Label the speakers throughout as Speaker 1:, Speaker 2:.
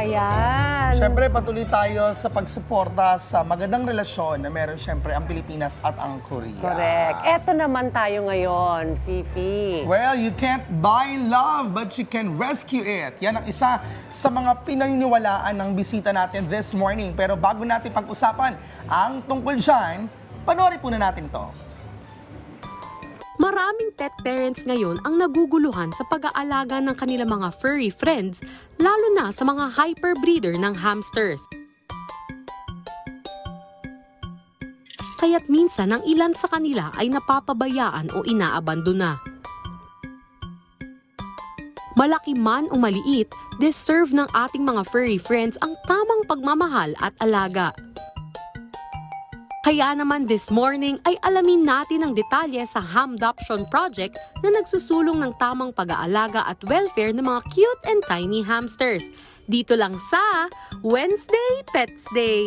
Speaker 1: Ayan.
Speaker 2: Siyempre, patuloy tayo sa pagsuporta sa magandang relasyon na meron siyempre ang Pilipinas at ang Korea.
Speaker 1: Correct. Eto naman tayo ngayon, Fifi.
Speaker 2: Well, you can't buy love, but you can rescue it. Yan ang isa sa mga pinaniniwalaan ng bisita natin this morning. Pero bago natin pag-usapan ang tungkol dyan, panoorin po na natin ito.
Speaker 3: Maraming pet parents ngayon ang naguguluhan sa pag-aalaga ng kanilang mga furry friends, lalo na sa mga hyperbreeder ng hamsters. Kaya't minsan ang ilan sa kanila ay napapabayaan o inaabandona. Malaki man o maliit, deserve ng ating mga furry friends ang tamang pagmamahal at alaga. Kaya naman this morning ay alamin natin ang detalye sa Hamdoption Project na nagsusulong ng tamang pag-aalaga at welfare ng mga cute and tiny hamsters. Dito lang sa Wednesday Pets Day.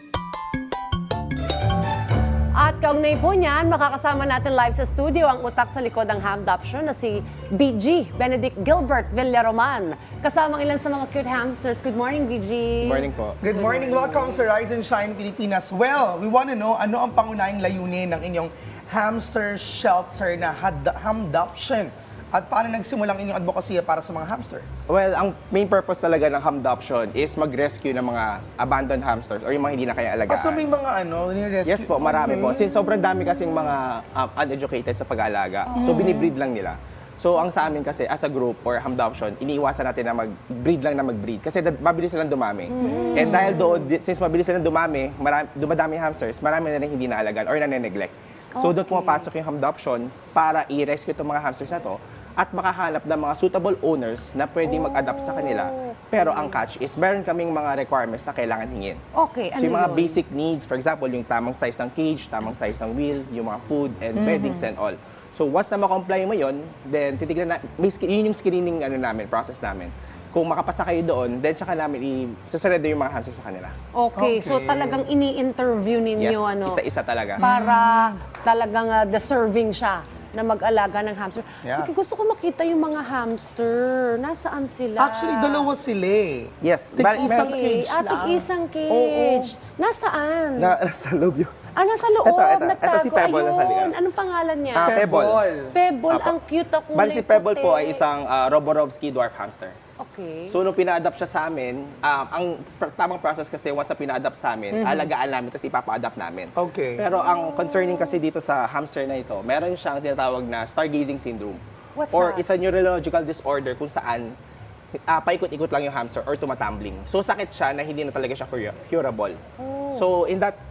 Speaker 1: At kaugnay po niyan, makakasama natin live sa studio ang utak sa likod ng Hamdoption na si BG, Benedict Gilbert Villaroman. Kasama ang ilan sa mga cute hamsters. Good morning, BG.
Speaker 4: Morning po.
Speaker 2: Good morning. Welcome sa Rise and Shine Pilipinas. Well, we want to know ano ang pangunahing layunin ng inyong hamster shelter na Hamdoption at paano nagsimulang inyong advokasya para sa mga hamster?
Speaker 4: Well, ang main purpose talaga ng Hamdoption is mag-rescue ng mga abandoned hamsters or yung mga hindi na kaya alagaan.
Speaker 2: Kaso may mga ni-rescue?
Speaker 4: Yes po, marami po. Since sobrang dami kasing mga uneducated sa pag-aalaga, so binibreed lang nila. So ang sa amin kasi as a group or Hamdoption, iniiwasan natin na mag-breed lang na mag-breed kasi mabilis silang dumami. And dahil doon, since mabilis silang dumami, dumadami yung hamsters, marami na rin hindi naalagaan or nane-neglect. So doon pumapasok yung Hamdoption para i-rescue itong mga hamsters na to at makahanap ng mga suitable owners na pwedeng mag-adapt sa kanila. Pero ang catch is meron kaming mga requirements na kailangan hingin.
Speaker 1: Okay, ano
Speaker 4: So yung mga
Speaker 1: yun?
Speaker 4: basic needs, for example, yung tamang size ng cage, tamang size ng wheel, yung mga food and beddings and all. So once na ma-comply mo yun, then titignan na, yun yung screening process namin. Kung makapasa kayo doon, then tsaka namin i-surrender yung mga hamsters sa kanila.
Speaker 1: Okay, so
Speaker 2: Okay.
Speaker 1: talagang ini-interview ninyo
Speaker 4: Yes, isa-isa talaga.
Speaker 1: para talagang deserving siya na mag-alaga ng hamster.
Speaker 2: Yeah.
Speaker 1: Okay, gusto ko makita yung mga hamster. Nasaan sila?
Speaker 2: Actually, dalawa sila eh.
Speaker 4: Yes.
Speaker 2: Tig-isang
Speaker 1: Okay,
Speaker 2: cage
Speaker 1: at
Speaker 2: lang.
Speaker 1: isang cage. Nasaan?
Speaker 4: Nasa loob yun.
Speaker 1: Nasa loob.
Speaker 4: Ito
Speaker 1: Nagtago.
Speaker 4: si Pebble nasa
Speaker 1: Ayun.
Speaker 4: likod.
Speaker 1: Anong pangalan niya?
Speaker 4: Pebble.
Speaker 1: Pebble.
Speaker 4: Apo.
Speaker 1: Ang cute ako.
Speaker 4: Bali si Pebble po ay isang Roborovsky dwarf hamster.
Speaker 1: Okay.
Speaker 4: So, nung pina-adapt siya sa amin, ang tamang process kasi once na pina-adapt sa amin, alagaan namin, tapos ipapa-adapt namin.
Speaker 2: Okay.
Speaker 4: Pero ang concerning kasi dito sa hamster na ito, meron siyang tinatawag na stargazing syndrome.
Speaker 1: What's
Speaker 4: or
Speaker 1: that?
Speaker 4: it's a neurological disorder kung saan paikot-ikot lang yung hamster or tumatumbling. So, sakit siya na hindi na talaga siya curable. So, in that,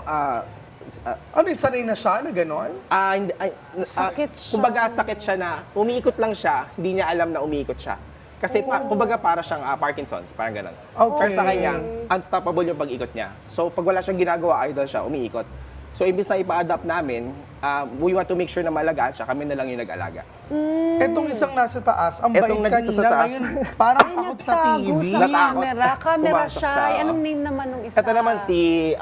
Speaker 2: Ano, sanay na siya na gano'n?
Speaker 1: Sakit siya.
Speaker 4: Kumbaga, sakit siya na umiikot lang siya, hindi niya alam na umiikot siya. Kasi kumbaga para siyang Parkinson's, parang gano'n.
Speaker 2: Okay.
Speaker 4: Or sa kanya, unstoppable yung pag-ikot niya. So pag wala siyang ginagawa, idol siya, umiikot. So imbis na ipa-adapt namin, we want to make sure na malagaan siya, kami na lang yung nag-alaga.
Speaker 2: Etong isang nasa taas, ang
Speaker 4: Etong
Speaker 2: bait
Speaker 4: nandito
Speaker 2: kanina,
Speaker 4: sa taas.
Speaker 2: ngayon parang takot sa
Speaker 1: Nagtago
Speaker 2: TV.
Speaker 1: sa
Speaker 4: Natakot.
Speaker 1: camera. Camera
Speaker 4: Pumasok
Speaker 1: siya.
Speaker 4: sa-
Speaker 1: Anong name naman ng isa?
Speaker 4: Ito naman si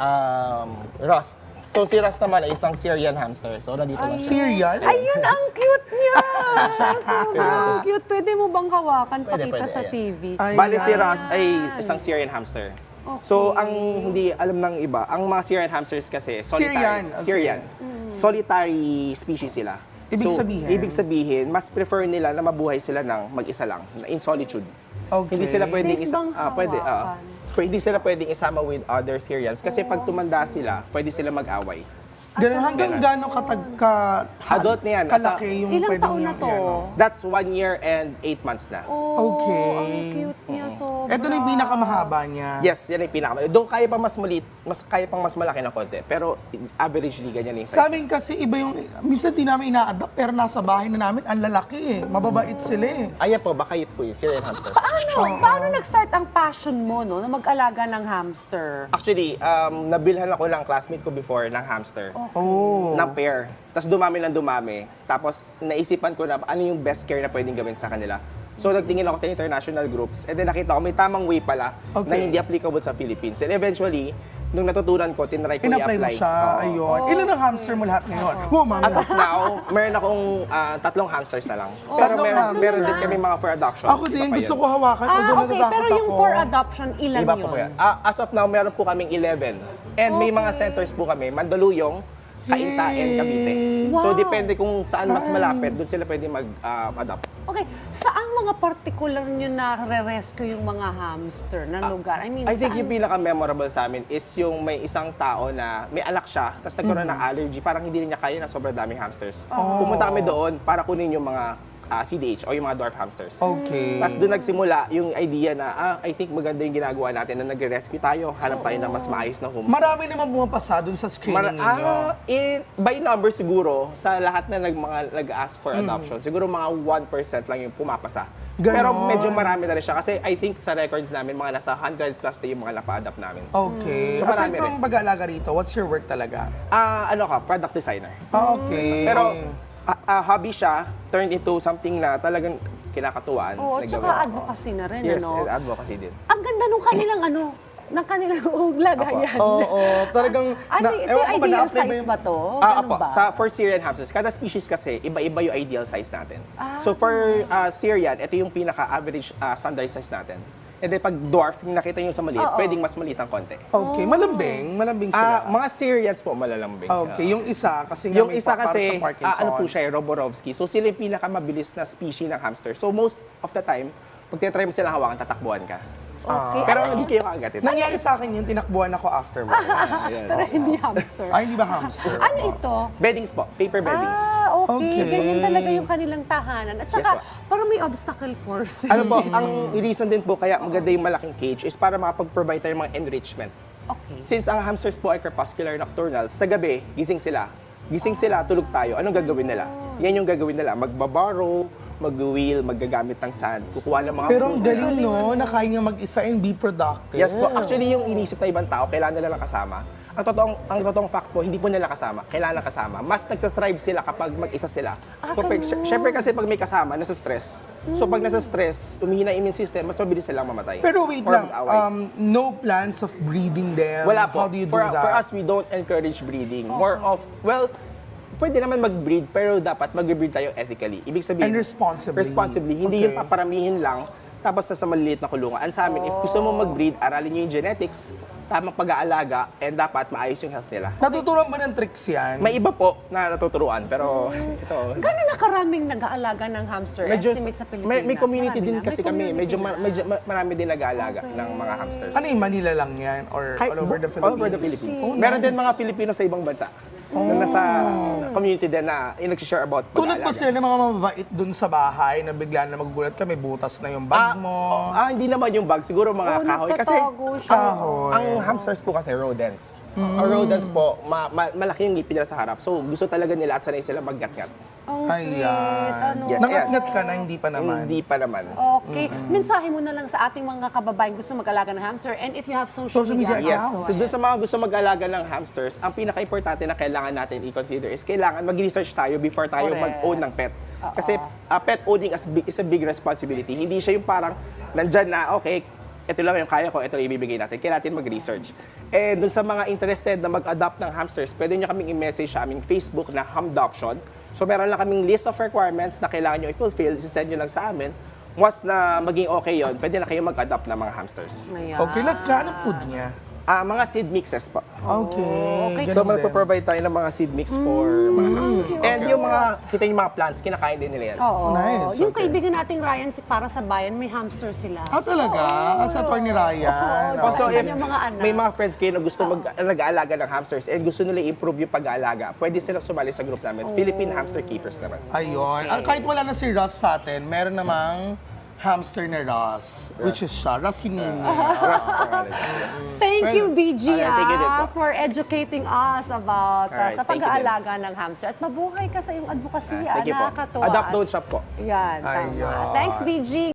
Speaker 4: Rust. So si Rust naman ay isang Syrian hamster. So nandito lang siya.
Speaker 2: Serial?
Speaker 1: Ayun, ang cute niya! Sobrang cute. Pwede mo bang hawakan, pakita
Speaker 4: pwede,
Speaker 1: sa
Speaker 4: ayan.
Speaker 1: TV?
Speaker 4: Bali si Rust ay isang Syrian hamster. So ang hindi alam ng iba, ang mga Syrian hamsters kasi
Speaker 2: Syrian,
Speaker 4: solitary.
Speaker 2: okay.
Speaker 4: Syrian. Solitary species sila.
Speaker 2: Ibig
Speaker 4: So,
Speaker 2: sabihin?
Speaker 4: Ibig sabihin, mas prefer nila na mabuhay sila ng mag-isa lang, na in solitude.
Speaker 2: Okay.
Speaker 4: Hindi sila pwedeng
Speaker 1: Safe bang hawakan?
Speaker 4: hindi sila pwedeng isama with other Syrians kasi pag tumanda sila, pwede sila mag-away.
Speaker 2: Ganun, hanggang gano'ng
Speaker 4: Adult na yan.
Speaker 2: kalaki yung
Speaker 1: Ilang
Speaker 2: pwedeng
Speaker 1: taon na
Speaker 2: yung
Speaker 1: to?
Speaker 2: ano.
Speaker 4: That's 1 year and 8 months na.
Speaker 2: Okay.
Speaker 1: Ang cute niya, sobra.
Speaker 2: Ito na yung pinakamahaba niya.
Speaker 4: Yes, yan ang pinaka. Doon kaya pa mas maliit, kaya pang mas malaki ng konti. Pero averagely ganyan yung size.
Speaker 2: Sa amin kasi iba yung, minsan di namin ina-adapt pero nasa bahay na namin, ang lalaki eh. Mababait sila eh.
Speaker 4: Ayan po, baka yun po yung Syrian hamster.
Speaker 1: Paano nag-start ang passion mo, no, na mag-alaga ng hamster?
Speaker 4: Actually, nabilhan ako ng classmate ko before ng hamster.
Speaker 2: Oh.
Speaker 4: Ng pair. Tapos dumami ng dumami. Tapos naisipan ko na ano yung best care na pwedeng gawin sa kanila. So nagtingin ako sa international groups and then nakita ko may tamang way pala na
Speaker 2: Okay.
Speaker 4: hindi applicable sa Philippines. And eventually, nung natutunan ko, tinry ko
Speaker 2: In-apply mo
Speaker 4: i-apply.
Speaker 2: siya,
Speaker 4: Oo.
Speaker 2: ayun. Ilan ang hamster mo lahat ngayon? Oh, mami.
Speaker 4: As of now, meron akong 3 hamsters na lang. Pero
Speaker 2: Tatlong hamsters
Speaker 4: meron
Speaker 2: na?
Speaker 4: din kami mga for adoption.
Speaker 2: Ako din,
Speaker 4: Iba pa
Speaker 2: gusto
Speaker 4: yun.
Speaker 2: ko hawakan. Although
Speaker 1: Okay,
Speaker 2: natatakot
Speaker 1: pero yung
Speaker 2: ako.
Speaker 1: for adoption, ilan
Speaker 4: Iba
Speaker 1: yun?
Speaker 4: po yan. As of now, meron po kaming 11. And may mga centers po kami, Mandaluyong, Cainta, and Cavite. So,
Speaker 1: Wow.
Speaker 4: depende kung saan mas malapit, doon sila pwede mag-adopt.
Speaker 1: Okay, saang mga particular nyo na re-rescue yung mga hamster na lugar? I mean,
Speaker 4: I think
Speaker 1: saan?
Speaker 4: yung pinaka-memorable sa amin is yung may isang tao na may anak siya, tapos nagkaroon ng allergy, parang hindi rin niya kaya na sobrang daming hamsters. Pumunta kami doon para kunin yung mga CDH o yung mga dwarf hamsters.
Speaker 2: Okay.
Speaker 4: Tapos doon nagsimula yung idea na, I think maganda yung ginagawa natin na nagre-rescue tayo, hanap tayo ng mas maayos na home.
Speaker 2: Marami naman pumapasa dun sa screening ninyo.
Speaker 4: By number siguro, sa lahat na nag-ask for adoption, siguro mga 1% lang yung pumapasa.
Speaker 2: Ganon.
Speaker 4: Pero medyo marami na rin siya kasi I think sa records namin, mga nasa 100 plus na yung mga napa-adopt namin.
Speaker 2: Okay.
Speaker 4: So,
Speaker 2: Aside
Speaker 4: marami
Speaker 2: from pag-aalaga rito, what's your work talaga?
Speaker 4: Ano ka, product designer.
Speaker 2: Okay.
Speaker 4: Pero hobby siya, turned into something na talagang kinakatuwaan.
Speaker 1: Oo,
Speaker 4: na
Speaker 1: tsaka
Speaker 4: gawin.
Speaker 1: advocacy na rin,
Speaker 4: Yes,
Speaker 1: ano?
Speaker 4: advocacy din.
Speaker 1: Ang ganda nung kanilang ng kanilang lagayan.
Speaker 2: Oo, talagang...
Speaker 1: Ano, ito
Speaker 2: ewan ko ba,
Speaker 1: ideal
Speaker 2: na-apply ba
Speaker 1: size
Speaker 2: yung-
Speaker 1: ba to? Ganun
Speaker 4: Apo,
Speaker 1: ba?
Speaker 4: for Syrian hamsters, kada species kasi, iba-iba yung ideal size natin. So for Syrian, ito yung pinaka-average standard size natin. And then pag dwarf, yung nakita nyo sa maliit, pwedeng mas maliit ang konti.
Speaker 2: Okay, malambing sila.
Speaker 4: Mga Syrians po malalambing.
Speaker 2: Okay, yung isa, kasi nga
Speaker 4: Yung
Speaker 2: may
Speaker 4: isa
Speaker 2: para
Speaker 4: kasi,
Speaker 2: siyang Parkinson's.
Speaker 4: ano po siya, Roborovsky. So sila yung pinakamabilis na species ng hamster. So most of the time, pag tinatry mo silang hawakan, tatakbuhan ka.
Speaker 1: Okay.
Speaker 4: Pero hindi kayo kaagatin.
Speaker 2: Nangyari sa akin yun, tinakbuhan ako afterwards.
Speaker 1: Pero hindi hamster.
Speaker 2: Ay, hindi ba hamster?
Speaker 1: Ano ito?
Speaker 4: Beddings po, paper beddings.
Speaker 1: Okay.
Speaker 2: Okay.
Speaker 1: Ganyan talaga yung kanilang tahanan. At saka,
Speaker 4: Yes, po.
Speaker 1: parang may obstacle course.
Speaker 4: Ano po, ang reason din po kaya maganda yung malaking cage is para makapag-provide tayo ng mga enrichment.
Speaker 1: Okay.
Speaker 4: Since ang hamsters po ay crepuscular nocturnal, sa gabi, gising sila. Gising sila, tulog tayo. Anong gagawin nila? Yan yung gagawin nila. Magbabarrow, mag-wheel, maggagamit ng sand, kukuha ng mga
Speaker 2: Pero ang
Speaker 4: fruit.
Speaker 2: galing, no? Na kaya nga mag-isa and be productive.
Speaker 4: Yes po. Actually, yung inisip na ibang tao, kailangan nila lang kasama. Ang totoong fact po, hindi po nila kasama. Kailangan kasama. Mas nagtathrive sila kapag mag-isa sila. Siyempre kasi pag may kasama, nasa stress. So pag nasa stress, umihina yung immune system, mas mabilis silang mamatay.
Speaker 2: Pero wait
Speaker 4: Or
Speaker 2: lang,
Speaker 4: mag-away.
Speaker 2: no plans of breeding them?
Speaker 4: Wala po.
Speaker 2: How do you do
Speaker 4: for,
Speaker 2: that?
Speaker 4: for us, we don't encourage breeding. More of, well, pwede naman mag-breed, pero dapat mag-breed tayo ethically. Ibig sabihin,
Speaker 2: And responsibly.
Speaker 4: Responsibly. Hindi
Speaker 2: Okay.
Speaker 4: yung paparamihin lang, tapos sa maliliit na kulungan. Ang sa amin, if gusto mo mag-breed, aralin nyo yung genetics, tamang pag-aalaga, and dapat maayos yung health nila.
Speaker 2: Natuturuan ba ng tricks yan?
Speaker 4: May iba po na natuturuan, pero ito,
Speaker 1: Gano'n na karaming nag-aalaga ng hamster?
Speaker 4: medyo,
Speaker 1: Estimate sa Pilipinas?
Speaker 4: may community
Speaker 1: Marami
Speaker 4: din
Speaker 1: na.
Speaker 4: kasi
Speaker 1: May
Speaker 4: kami.
Speaker 1: community
Speaker 4: Medyo
Speaker 1: na.
Speaker 4: marami din nag-aalaga ng mga hamsters.
Speaker 2: Ano yung Manila lang yan? Or all over the Philippines?
Speaker 4: All over the Philippines.
Speaker 2: Oh,
Speaker 4: Meron din
Speaker 2: nice.
Speaker 4: mga Pilipino sa ibang bansa. Na nasa community din na yung nag-share about
Speaker 2: Tulad ba
Speaker 4: pag-aalaga.
Speaker 2: sila ng mga mababait dun sa bahay na bigla na magugulat ka, may butas na yung bag mo?
Speaker 4: Hindi naman yung bag. Siguro mga kahoy. Kasi
Speaker 1: nagtatago siya.
Speaker 2: Kahoy.
Speaker 4: ang hamsters po kasi rodents. Ang rodents po, malaki yung ngipin nila sa harap. So gusto talaga nila at sanay sila maggat-gat.
Speaker 1: Ang sweet. Ano?
Speaker 4: Yes.
Speaker 2: Nangat-ngat ka na, hindi pa naman.
Speaker 4: Hindi pa naman.
Speaker 1: Okay. Mensahe mo na lang sa ating mga kababayan gusto mag-alaga ng hamster and if you have social media
Speaker 2: media
Speaker 4: Yes.
Speaker 1: accounts.
Speaker 4: So dun sa mga gusto mag-alaga ng hamsters, ang pinaka-importante na kailangan natin i-consider is kailangan mag-research tayo before tayo
Speaker 1: Correct.
Speaker 4: mag-own ng pet. Kasi pet owning is a big responsibility. Hindi siya yung parang nandyan na, okay, ito lang yung kaya ko, ito lang ibibigay natin. Kailangan natin mag-research. Eh, dun sa mga interested na mag-adopt ng hamsters, pwede nyo kaming i-message sa aming Facebook na Hamdoption. So meron lang kaming list of requirements na kailangan nyo i-fulfill, sisend nyo lang sa amin. Once na maging okay yon, pwede na kayo mag-adopt ng mga hamsters.
Speaker 1: Ayan.
Speaker 2: Okay, last na, anong food niya?
Speaker 4: Mga seed mixes po.
Speaker 2: Okay.
Speaker 4: So,
Speaker 2: ganun din.
Speaker 4: magpo-provide tayo ng mga seed mix for mga hamsters. And yung mga, kita yung mga plants, kinakain din nila yan.
Speaker 1: Oo.
Speaker 2: Nice,
Speaker 1: Yung
Speaker 2: okay.
Speaker 1: kaibigan nating Ryan, para sa bayan, may hamster sila.
Speaker 2: Ah, talaga? Sa Atty. Ryan?
Speaker 1: Also,
Speaker 4: Also,
Speaker 1: sa
Speaker 4: if
Speaker 1: kanyang mga anak.
Speaker 4: may mga friends kayo na gusto nag-aalaga ng hamsters and gusto nila i-improve yung pag-aalaga, pwede sila sumali sa group namin. Philippine Hamster Keepers naman.
Speaker 2: Ayun. Kahit wala na si Russ sa atin, meron namang hamster na Russ, which is siya, Russ Hinini.
Speaker 1: Thank you, BG,
Speaker 4: Alright, thank you din po.
Speaker 1: for educating us about
Speaker 4: Alright,
Speaker 1: sa
Speaker 4: thank you
Speaker 1: pag-aalaga ng hamster. At mabuhay ka sa iyong advokasya.
Speaker 4: Thank you po.
Speaker 1: Nakakatuwa.
Speaker 4: Adopt, don't shop po.
Speaker 1: Yan, tama.
Speaker 2: Ayun.
Speaker 1: Thanks, BG.